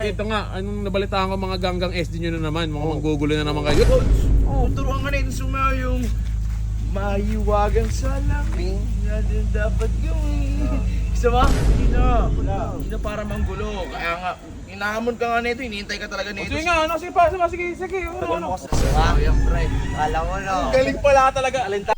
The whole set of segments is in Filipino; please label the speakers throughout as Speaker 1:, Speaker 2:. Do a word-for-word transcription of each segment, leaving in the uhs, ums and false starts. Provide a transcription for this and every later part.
Speaker 1: Ito nga, anong nabalitaan ko mga ganggang S D nyo na naman, mga manggugulo na naman kayo.
Speaker 2: Oh, turuan ka na ito sumayo yung mahiwagang salamin. Yan yung dapat gawin. Isa ba? Hindi na. Hindi na para manggulo. Kaya nga, inahamon ka nga nito, hinihintay ka talaga nito.
Speaker 1: Sige nga, ano, sige pa, sige, sige, sige, ano, ano.
Speaker 2: Sayang, pre.
Speaker 3: Kala mo no.
Speaker 1: Galing pala talaga, alin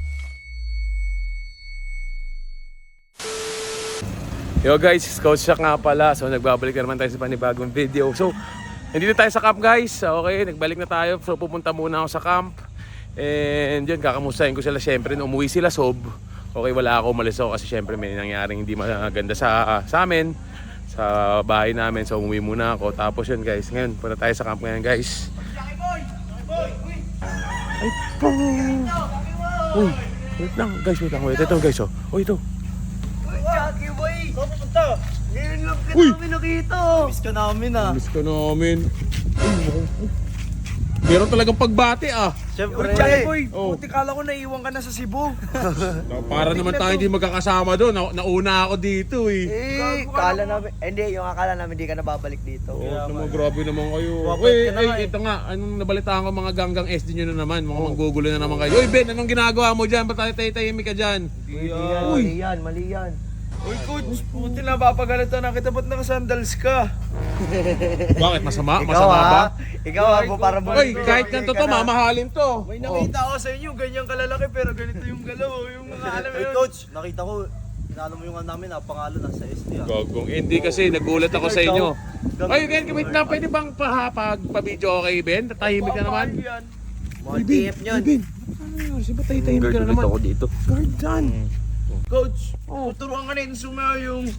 Speaker 1: Yo guys, Coach Shaq nga pala. So nagbabalik na naman tayo sa panibagong video. So, nandito tayo sa camp guys. Okay, nagbalik na tayo. So pupunta muna ako sa camp. And yun, kakamustahin ko sila. Siyempre, umuwi sila sob. Okay, wala ako, umalis ako kasi siyempre may nangyaring hindi maganda sa, sa amin, sa bahay namin. So umuwi muna ako. Tapos yun guys, ngayon, punta tayo sa camp ngayon guys. Ay po! Uy, wait lang guys, wait lang. Wait, ito guys oh. Oh, ito.
Speaker 3: Jackie boy!
Speaker 2: Saan pupunta?
Speaker 3: Ngayon lang ka
Speaker 1: Uy!
Speaker 3: namin nakita. Miss ka namin ah.
Speaker 1: Miss ka namin. Meron talagang pagbati ah.
Speaker 3: Siyempre.
Speaker 2: Jackie boy,
Speaker 1: Oh.
Speaker 2: buti kala ko naiwan ka na sa Cebu.
Speaker 1: Para naman tayo hindi magkakasama doon. Na, nauna ako dito eh.
Speaker 3: Eh, kala namin, eh, hindi, yung akala namin hindi ka nababalik dito.
Speaker 1: Oh, naman, grabe naman kayo.
Speaker 3: Babalik
Speaker 1: Uy,
Speaker 3: ka na
Speaker 1: ay,
Speaker 3: nga eh.
Speaker 1: ito nga, anong nabalitaan ko mga ganggang S D nyo na naman, mga manggugulo na naman kayo. Uy Ben, anong ginagawa mo dyan? Ba't tayo tayo-tahimik ka dyan?
Speaker 3: Mali yan,
Speaker 1: Uy.
Speaker 3: mali yan, mali yan.
Speaker 2: Uy, coach, buti na papagalitan na kita. Ba't nakasandals ka?
Speaker 1: Bakit? Masama?
Speaker 3: Ikaw
Speaker 1: Masama ba?
Speaker 3: ha? Ikaw ha, po para mo.
Speaker 1: Uy, kahit ganito to, mamahalin to.
Speaker 2: May nakita ako sa inyo, ganyan kalalaki pero ganito yung galaw. Yung mga alam mo
Speaker 4: Hey
Speaker 2: yun.
Speaker 4: coach, nakita ko, inaano mo yung ano namin, ah, pangalan nasa S D ah.
Speaker 1: Gagong, hindi kasi nagulat ako sa inyo. Ay, Ben, wait lang, pwede bang pahapag pa-video okay, Ben? Tahimik ka naman.
Speaker 2: Yan.
Speaker 3: Mga T F nyon.
Speaker 1: Ben, ano yun? Siya ba tayo-tahimik ka na naman? Guard dito. Guard dyan.
Speaker 2: Coach, oh, turuan ka na ito sumayo yung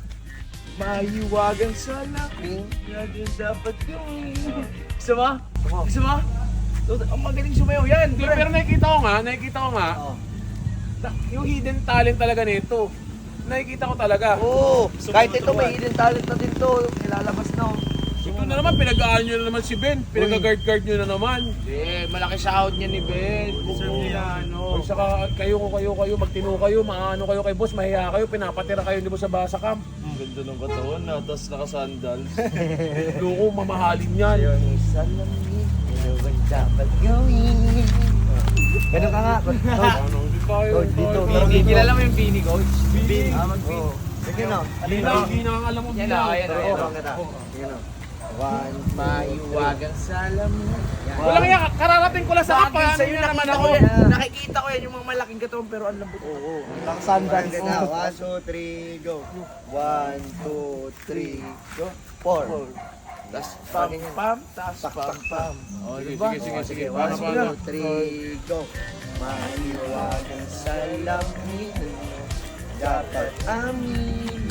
Speaker 2: mahiwagang salamin. Yan yung dapat gawin. Isa ba? Isa ba? Ang magaling sumayo. Yan,
Speaker 1: Hindi,
Speaker 2: pre.
Speaker 1: pero nakikita ko nga, nakikita ko nga,
Speaker 3: Oh.
Speaker 1: na- yung hidden talent talaga nito. Nakikita ko talaga.
Speaker 3: Oo, kahit ito may hidden talent na din to, nilalabas na. oh.
Speaker 1: Ito na naman, pinag-aan nyo na naman si Ben. Pinag-guard-guard nyo na naman.
Speaker 2: Eh, malaki sahod niya ni Ben. Deserve niya yan,
Speaker 1: O
Speaker 2: no?
Speaker 1: saka kayo ko kayo kayo, magtino kayo, maano kayo kay boss, mahiya kayo, pinapatira kayo di ba sa basa camp.
Speaker 4: Ang ganda ng katawan na, tapos nakasandals.
Speaker 1: Loko, mamahalin yan.
Speaker 3: Yung salamin, yung dapat gawin. Ganun ka nga. Coach.
Speaker 1: Ano, hindi tayo.
Speaker 3: Coach, dito,
Speaker 1: tayo-
Speaker 3: tara dito.
Speaker 2: Kilala mo yung Bini, coach?
Speaker 1: Bini.
Speaker 3: Ah, mag-pin. Sige na.
Speaker 1: Hindi na, hindi na alam mo.
Speaker 2: Yan
Speaker 1: Bini.
Speaker 2: na, ayan na,
Speaker 3: Pero
Speaker 2: ayan
Speaker 3: okay
Speaker 2: na.
Speaker 3: kita. Sige na. One,
Speaker 2: Mahiwagang salamin.
Speaker 1: Walang iya, kararating ko lang sa
Speaker 2: Bakit
Speaker 1: kapa.
Speaker 2: sa'yo
Speaker 1: Ano na naman
Speaker 2: nakita
Speaker 1: ako.
Speaker 2: ko yan? Nakikita ko yan yung mga malaking katawan pero ang lambot.
Speaker 3: Oo. Nakasandals na. One, two, three, go. One, two, three, go. Four.
Speaker 2: Tas pam pam, tas
Speaker 3: Tak,
Speaker 2: pam
Speaker 3: tak,
Speaker 2: pam.
Speaker 1: Oh, sige,
Speaker 2: diba?
Speaker 1: sige, sige, sige.
Speaker 3: One,
Speaker 1: Paano,
Speaker 3: two,
Speaker 1: paano?
Speaker 3: three, go. Mahiwagang salamin. Dapat amin.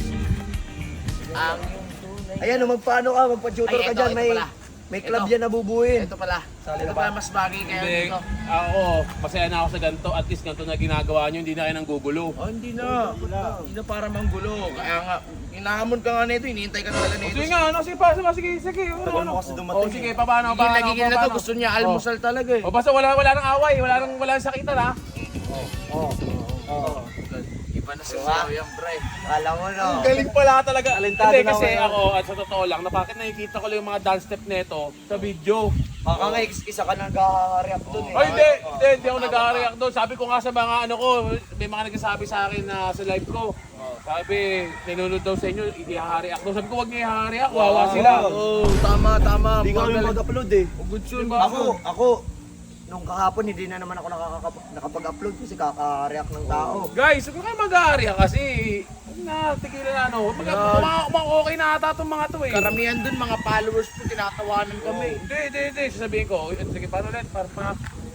Speaker 2: Ang yung tunay.
Speaker 3: Ayan, oh, magpaano ka, magpa-tutor
Speaker 2: Ay,
Speaker 3: ka
Speaker 2: ito,
Speaker 3: dyan.
Speaker 2: ito
Speaker 3: May,
Speaker 2: pala.
Speaker 3: may club
Speaker 2: Ito.
Speaker 3: yan na bubuin.
Speaker 2: Ito pala. Ito pala mas bagay kaya
Speaker 1: Hindi,
Speaker 2: dito.
Speaker 1: ako, masaya na ako sa ganito. At least ganito na ginagawa nyo, hindi na kayo nang gugulo.
Speaker 2: Oh, hindi na. Hindi na para manggulo. Kaya nga, inahamon ka nga nito, hinihintay ka talaga nito.
Speaker 1: Sige nga, ano, sige pa, sige, sige, sige. Ano,
Speaker 4: Tagal
Speaker 1: ano.
Speaker 4: mo kasi
Speaker 1: Oh,
Speaker 4: dumating.
Speaker 1: sige, paano,
Speaker 2: Hindi
Speaker 1: paano,
Speaker 2: nagigil na to,
Speaker 1: paano?
Speaker 2: gusto niya almusal talaga eh.
Speaker 1: O basta wala wala nang away, wala nang wala nang sakitan ha.
Speaker 3: Oh. Oh.
Speaker 2: Iba na sa yan, pre.
Speaker 3: Alam mo no.
Speaker 1: Ang galing pala talaga.
Speaker 3: Talentado
Speaker 1: Hindi
Speaker 3: na
Speaker 1: kasi
Speaker 3: ako.
Speaker 1: ako, at sa totoo lang, na bakit nakikita ko lang yung mga dance step nito sa video.
Speaker 3: Baka nga isa ka nag-react dun eh.
Speaker 1: Ay hindi, hindi, hindi ako nag-react doon. Sabi ko nga sa mga ano ko, may mga nagsasabi sa akin na sa live ko. Sabi, nanonood daw sa inyo, hindi ha-react daw. Sabi ko, wag niya ha-react, wawa sila.
Speaker 2: Oo, tama, tama.
Speaker 4: Hindi ka kami
Speaker 2: Magaling.
Speaker 4: mag-upload eh.
Speaker 2: Good yun,
Speaker 1: Diba?
Speaker 3: Ako, ako, nung kahapon hindi na naman ako nakakap- nakapag-upload kasi kaka-react ng tao.
Speaker 1: Guys, huwag kayo mag-react kasi na, tigilan na ano. Mag, mga, mga okay na ata itong mga to eh.
Speaker 2: Karamihan dun, mga followers po, tinatawanan kami.
Speaker 1: Hindi, hindi, hindi. Sasabihin ko, "Uy, sige, paano ulit? Para pa.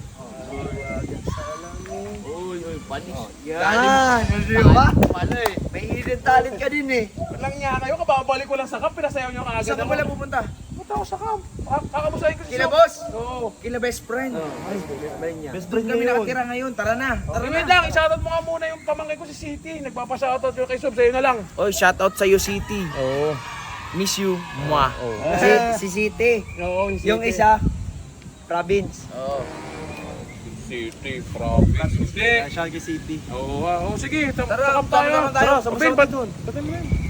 Speaker 2: Uy, uy, panis.
Speaker 3: Yan, di ba?
Speaker 2: Pala eh.
Speaker 3: May hidden talent ka din eh.
Speaker 1: Walang niya kayo, kababalik ko lang sa camp, pinasayaw niyo kaagad.
Speaker 2: Saan ka pala pupunta?
Speaker 1: Punta ako sa camp. Kak- Kakamusahin ko si
Speaker 2: Kila
Speaker 1: Sob.
Speaker 2: boss?
Speaker 1: Oo.
Speaker 2: Kila best friend.
Speaker 3: Ay, best friend niya.
Speaker 4: Best
Speaker 2: Doon
Speaker 4: friend
Speaker 2: kami
Speaker 4: niya yun.
Speaker 2: nakatira ngayon. Tara na. Tara
Speaker 1: Tara
Speaker 2: na.
Speaker 1: wait lang, i-shoutout mo nga muna yung pamangkin ko si City. Nagpapa-shoutout yung kay Sob, sa'yo na lang.
Speaker 2: Oy, shoutout sa City.
Speaker 1: Oo.
Speaker 2: Miss you. Mwah.
Speaker 3: Si, si City.
Speaker 1: Oo, yung City.
Speaker 3: Yung isa, province.
Speaker 2: Oo.
Speaker 1: City, province. Hindi.
Speaker 4: Siya City.
Speaker 1: Oo, ah, oo, sige. Sa,
Speaker 2: Tara,
Speaker 1: sa camp tayo.
Speaker 2: tama naman tayo.
Speaker 1: Tara,
Speaker 4: Sama-sama
Speaker 1: Ben, ba't
Speaker 4: dun.
Speaker 1: ba't mo yan?